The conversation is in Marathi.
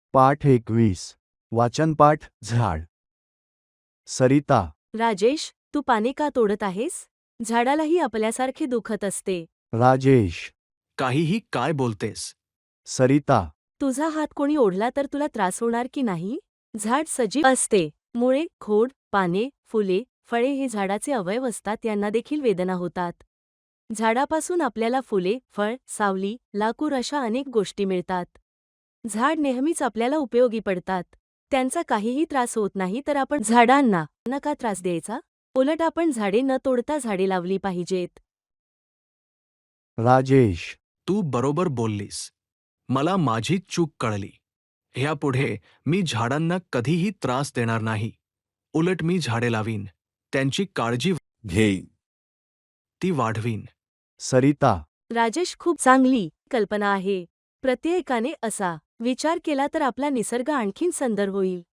पाठ 21. वाचनपाठ झाड. सरिता. राजेश, तू पाने का तोडत आहेस? झाडालाही आपल्यासारखे दुखत असते. राजेश. काहीही काय बोलतेस? सरिता. तुझा हात कोणी ओढला तर तुला त्रास होणार की नाही? झाड सजीव असते. मुळे, खोड, पाने, फुले, फळे हे झाडाचे अवयव असतात, यांना देखील वेदना होतात. झाडापासून आपल्याला फुले, फळ, सावली, लाकूड अशा अनेक गोष्टी मिळतात. झाड नेहमीच आपल्याला उपयोगी पडतात. त्यांचा काहीही त्रास होत नाही, तर आपण झाडांना नका त्रास द्यायचा. उलट आपण झाडे न तोडता झाडे लावली पाहिजेत. राजेश. तू बरोबर बोललीस. मला माझी चूक कळली. ह्यापुढे मी झाडांना कधीही त्रास देणार नाही. उलट मी झाडे लावीन, त्यांची काळजी घेईन. ती वाढवीन. सरिता. राजेश, खूप चांगली कल्पना आहे. प्रत्येकाने असा विचार केला तर आपला निसर्ग आणखीन सुंदर होईल.